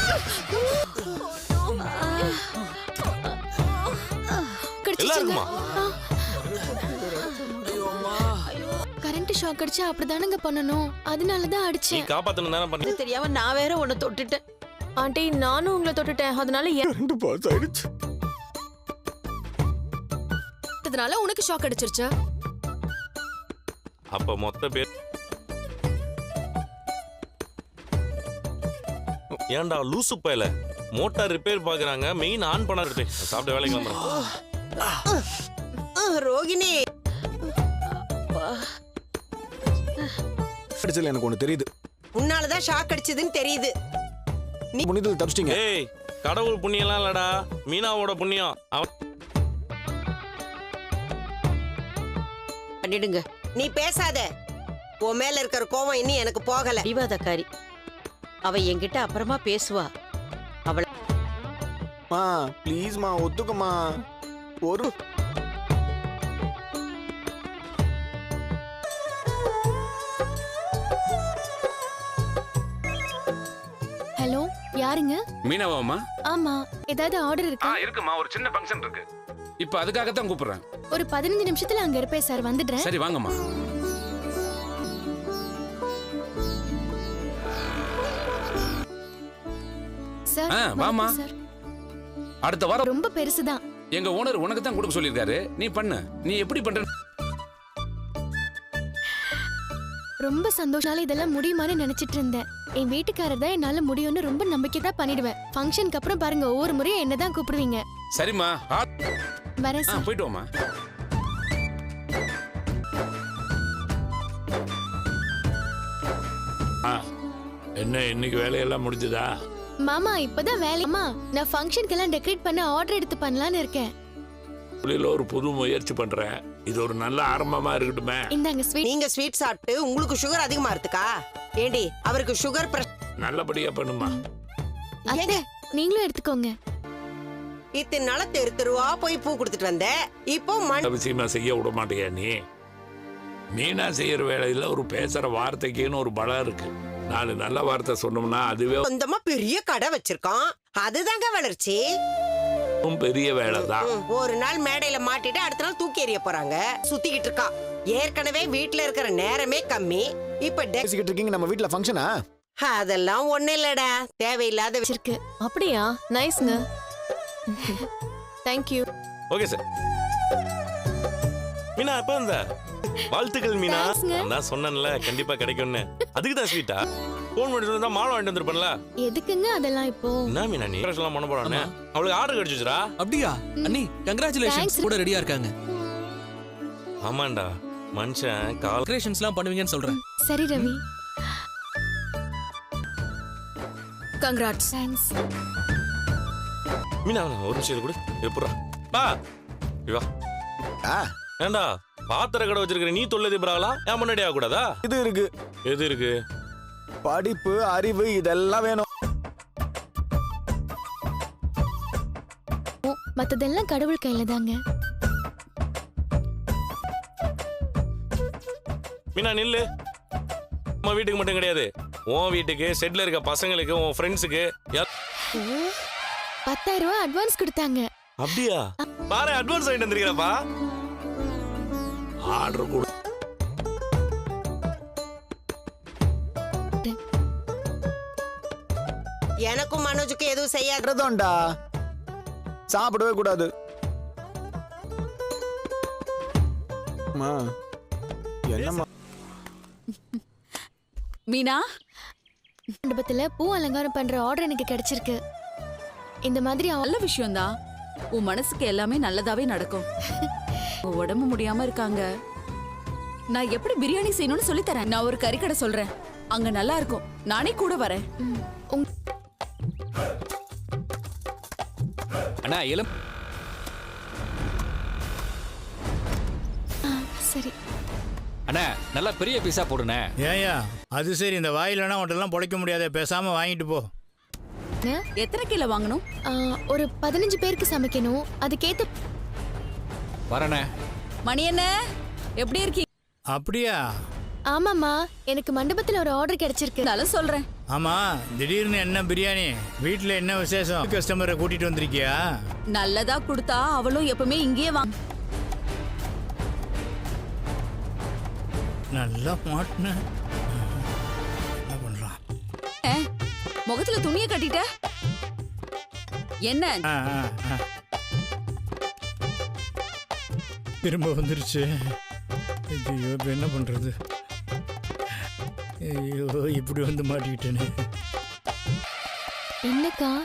Current shock அடிச்சா அப்படிதானங்க பண்ணணும். அதனாலதான் அடிச்சேன். நீ காப்பாத்தணும் தான பண்ணி. தெரியாம நான் வேற உன்னை தொட்டுட்டேன். ஆண்டி நானும் உங்களை தொட்டுட்டேன். அதனால ரெண்டு பாஸ் ஆயிடுச்சு. அதனால உனக்கு ஷாக் அடிச்சிருச்சா? அப்ப மொத்த பேர் ஏன்டா லூசு பயல மோட்டார் ரிப்பேர் பாக்குறாங்க, மெயின் ஆன் பண்ணாரு. சாப்பிட்ட வேலைக்கு வந்துடும். ரோகிணி அடிச்சல எனக்கு ஒண்ணு தெரியுது. உன்னாலதான் ஷாக் அடிச்சதுன்னு தெரியுது. நீ புனிதல் தப்பிச்சிட்டீங்க. ஏய் கடவுள் புண்ணியம்லாம் இல்லடா, மீனாவோட புண்ணியம். பண்ணிடுங்க. நீ பேசாத. உன் மேல இருக்கிற கோவம் இன்னும் எனக்கு போகல. விவாதக்காரி அவ என்கிட்ட அப்புறமா பேசுவா. அவள மா ப்ளீஸ் மா ஒத்துக்கமா. ஒரு ஹலோ யாருங்க? மீனாவாமா? ஆமா, ஏதாவது ஆர்டர் இருக்கா? இருக்குமா, ஒரு சின்ன ஃபங்க்ஷன் இருக்கு. இப்ப அதுக்காக தான் கூப்பிடுறேன். ஒரு 15 நிமிஷத்துல அங்க இருப்பேன் சார். வந்துடுறேன். சரி வாங்கம்மா. சார் வாமா. சார் அடுத்த வாரம் ரொம்ப பெருசுதான். எங்க ஓனர் உனக்கு தான் கொடுக்க சொல்லிருக்காரு. நீ பண்ணு. நீ எப்படி பண்ற? ரொம்ப சந்தோஷால இதெல்லாம் முடியுமான்னு நினைச்சிட்டு இருந்தேன். என் வீட்டுக்காரர் தான் என்னால முடியும்னு ரொம்ப நம்பிக்கை தான் பண்ணிடுவேன். ஃபங்க்ஷனுக்கு அப்புறம் பாருங்க ஒவ்வொரு முறையும் என்னதான் கூப்பிடுவீங்க. சரிம்மா வரேன் சார். போயிட்டு வாமா. என்ன இன்னைக்கு வேலையெல்லாம் முடிஞ்சதா? மாமா இப்பதான் வேலைமா. நான் ஃபங்க்ஷனுக்கு எல்லாம் டெக்கரேட் பண்ண ஆர்டர் எடுத்து பண்ணலாம்னு இருக்கேன். ஒரு புது முயற்சி பண்றேன். இது ஒரு நல்ல ஆரம்பமா இருக்கட்டுமே. இந்தாங்க ஸ்வீட். நீங்க ஸ்வீட் சாப்பிட்டு உங்களுக்கு சுகர் அதிகமா இருக்குக்கா? ஏண்டி அவருக்கு சுகர் நல்லபடியா பண்ணுமா. அத்தை நீங்களும் எடுத்துக்கோங்க. இத்தனை நாள தெரு தெருவா போய் பூ கொடுத்துட்டு வந்த. இப்போ அவசியமா செய்ய விட மாட்டியா நீ? மீனா செய்யற வேலையில ஒரு பேசுற வார்த்தைக்குன்னு ஒரு பலம் இருக்கு. 4 நல்ல வார்த்தை சொன்னோம்னா அதுவே சொந்தமா பெரிய கடை வச்சிருக்கான். அதுதாங்க வளர்ச்சி. பெரிய வேலைதான். ஒரு நாள் மேடையில மாட்டிட்டு அடுத்த நாள் தூக்கி எறிய போறாங்க. சுத்திக்கிட்டு இருக்கா. ஏற்கனவே வீட்டுல இருக்கிற நேரமே கம்மி. இப்ப பேசிக்கிட்டு இருக்கீங்க நம்ம வீட்ல ஃபங்க்ஷனா? அதெல்லாம் ஒண்ணு இல்லடா, தேவையில்லாத இருக்கு. அப்படியா? நைஸ்ங்க. Thank you. Okay sir. Meena எப்ப வந்த? வாழ்த்துக்கள் மீனா. நான் சொன்னேன்ல கண்டிப்பா கிடைக்கும்னு. அதுக்கு தான் ஸ்வீட்டா? போன் பண்ணி சொன்னா மாலை வாங்கிட்டு வந்திருப்பேன்ல. எதுக்குங்க அதெல்லாம் இப்போ? என்ன மீனா நீ எல்லாம் பண்ண போறானே? அவளுக்கு ஆர்டர் கிடைச்சிச்சுடா. அப்படியா? அண்ணி கங்க்ராச்சுலேஷன்ஸ். கூட ரெடியா இருக்காங்க. ஆமாண்டா மனுஷன் கால்குலேஷன்ஸ்லாம் பண்ணுவீங்கன்னு சொல்றேன். சரி ரவி. கங்க்ராட்ஸ். தேங்க்ஸ். மீனா ஒரு நிமிஷம் கூட எப்படா பா இவா. ஏண்டா பாத்திர கடை வச்சிருக்கிற நீ தொல்லை தீபராகலாம் ஏன் முன்னாடி ஆக கூடாதா? இது இருக்கு. எது இருக்கு? படிப்பு அறிவு இதெல்லாம் வேணும். மத்ததெல்லாம் கடவுள் கையில தாங்க. மீனா நில்லு. அம்மா வீட்டுக்கு மட்டும் கிடையாது, உன் வீட்டுக்கு, செட்ல இருக்க பசங்களுக்கு, உன் ஃப்ரெண்ட்ஸுக்கு 10,000 ரூபாய் அட்வான்ஸ் கொடுத்தாங்க. அப்படியா? பாரு அட்வான்ஸ் வாங்கிட்டு வந்திருக்கிறப்பா. ஆர்டர் கொடு. எனக்கும் மனோஜுக்கு எதுவும் செய்யாதோண்டா. சாப்பிடவே கூடாது. என்னம்மா மீனா, மண்டபத்துல பூ அலங்காரம் பண்ற ஆர்டர் எனக்கு கிடைச்சிருக்கு. இந்த மாதிரி நல்ல விஷயம்தான். உன் மனசுக்கு எல்லாமே நல்லதாவே நடக்கும். உடம்பு முடியாம இருக்காங்க. நான் எப்படி பிரியாணி செய்யணும்னு சொல்லி தரேன். நான் ஒரு கறிக்கடை சொல்றேன், அங்க நல்லா இருக்கும். நானே கூட வரேன். அண்ணா இளம். சரி அண்ணா நல்லா பெரிய பீஸா போடுனே. ஏயா அது சரி, இந்த வாயிலனா உடலாம் பொழைக்க முடியாத, பேசாம வாங்கிட்டு போ. எத்தனை கிலோ வாங்கணும்? ஒரு 15 பேருக்கு சமைக்கணும். அதுக்கேத்த வரனே. மணி என்ன எப்படி இருக்கீங்க? அப்படியா? ஆமாமா, எனக்கு மண்டபத்துல ஒரு ஆர்டர் கிடைச்சிருக்கு. நான் சொல்றேன், ஆமா திடீர்னு என்ன பிரியாணி வீட்ல என்ன விசேஷம் கஸ்டமரை கூட்டிட்டு வந்திருக்கியா நல்லதா கொடுத்தா அவளும் எப்பவுமே இங்கேயே வாங்க. நல்லா மாட்டின என்ன பண்றான் முகத்துல துணியை கட்டிட்ட என்ன? ஆ, ஆ, ஆ. திரும்ப வந்துருச்சு. ஐயோ இப்ப என்ன பண்றது? ஐயோ இப்படி வந்து மாட்டிக்கிட்டேனே. என்னக்கா